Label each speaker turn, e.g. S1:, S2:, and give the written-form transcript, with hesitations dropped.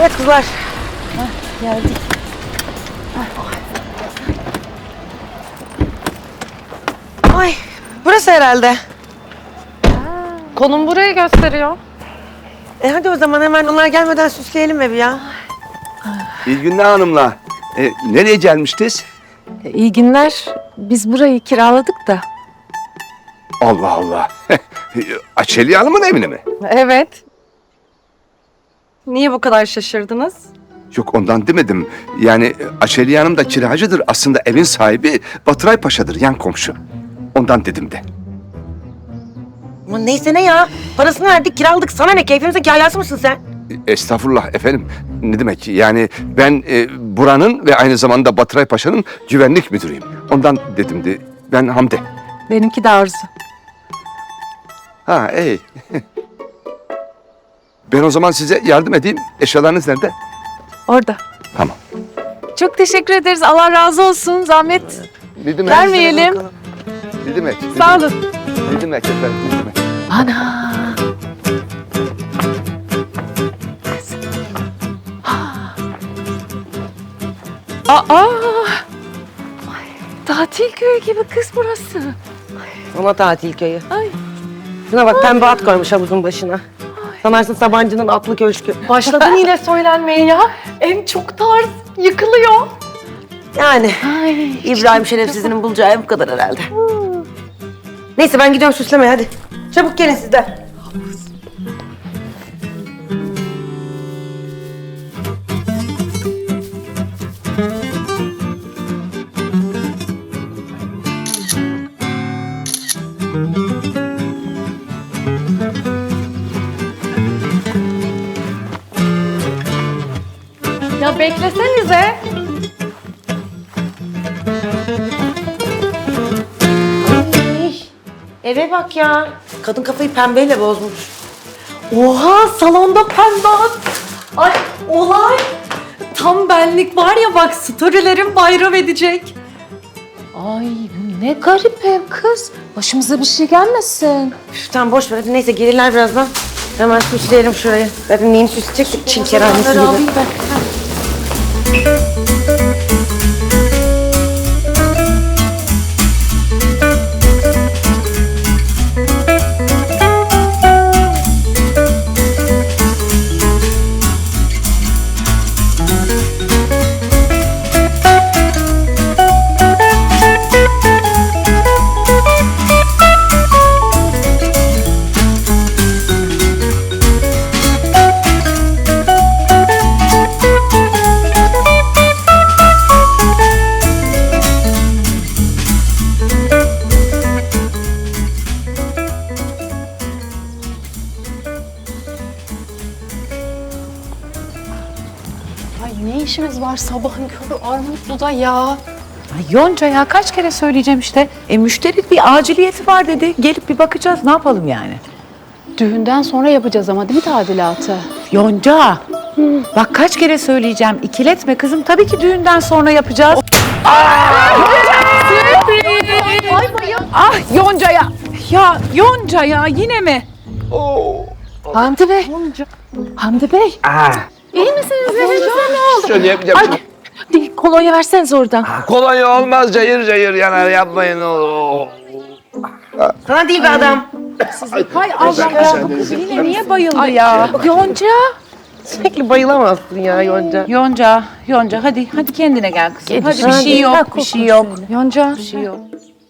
S1: Evet kızlar.
S2: Geldik.
S1: Ay burası herhalde.
S2: Konum burayı gösteriyor.
S1: Hadi o zaman hemen onlar gelmeden süsleyelim evi ya.
S3: İyi günler hanımlar. Nereye gelmiştiniz?
S2: İyi günler. Biz burayı kiraladık da.
S3: Allah Allah. Açeli Hanım'ın evine mi?
S2: Evet. Niye bu kadar şaşırdınız?
S3: Yok ondan demedim. Yani Açeli Hanım da kiracıdır. Aslında evin sahibi Batıray Paşa'dır, yan komşu. Ondan dedim de.
S1: Aman neyse ne ya. Parasını verdik kiraladık. Sana ne? Keyfimize kahyası mısın sen?
S3: Estağfurullah efendim. Ne demek? Yani ben buranın ve aynı zamanda Batıray Paşa'nın güvenlik müdürüyüm. Ondan dedim de. Ben Hamdi.
S2: Benimki de Arzu.
S3: Ha iyi. Ben o zaman size yardım edeyim. Eşyalarınız nerede?
S2: Orada.
S3: Tamam.
S2: Çok teşekkür ederiz. Allah razı olsun. Zahmet
S3: Ne demek?
S2: vermeyelim.
S3: Ne demek?
S2: Sağ olun.
S3: Ne demek efendim? Ne demek?
S2: Ana. Aa. Tatil köyü gibi kız burası.
S1: Ona tatil köyü.
S2: Ay.
S1: Şuna bak pembe at koymuş havuzun başına. Sanarsın Sabancı'nın atlı köşkü.
S2: Başladın yine söylenmeye ya. Ev çok tarz. Yıkılıyor.
S1: Yani
S2: Ay.
S1: İbrahim Şerefsiz'in bulacağı ev bu kadar herhalde. Neyse ben gidiyorum süslemeye hadi. Çabuk gelin siz de.
S2: Ya beklesenize.
S1: Eve bak ya. Kadın kafayı pembeyle bozmuş.
S2: Oha salonda pembe at. Ay olay. Tam benlik var ya bak storylerim bayram edecek. Ay ne garip ev kız. Başımıza bir şey gelmesin.
S1: Üf, tamam boş ver hadi neyse gelirler birazdan. Hemen süsleyelim şurayı. Zaten neyini süsleyecektik Çin kerhanesi gibi.
S2: Alayım ben. Ay ne işimiz var sabahın körü Armutlu'da ya?
S4: Ay Yonca ya kaç kere söyleyeceğim işte. Müşteri bir aciliyeti var dedi. Gelip bir bakacağız ne yapalım yani.
S2: Düğünden sonra yapacağız ama değil mi tadilatı?
S4: Yonca. Bak kaç kere söyleyeceğim. İkiletme kızım. Tabii ki düğünden sonra yapacağız. Ah Yonca ya. Ya Yonca ya yine mi?
S2: Hamdi Bey. Hamdi Bey. İyi misiniz? Elinize ne oldu?
S3: Şöyle yapacağım.
S2: Ay, değil, kolonya verseniz oradan.
S3: Kolonya olmaz, cayır cayır yanar, yapmayın.
S1: Sana değil be adam.
S4: Hay Allah ya bu kız yine niye bayıldı ya?
S2: Yonca.
S1: Sürekli bayılamazsın ya Yonca.
S4: Yonca hadi kendine gel kızım. Hadi bir şey yok, bir şey yok.
S2: Yonca.
S4: Bir şey yok.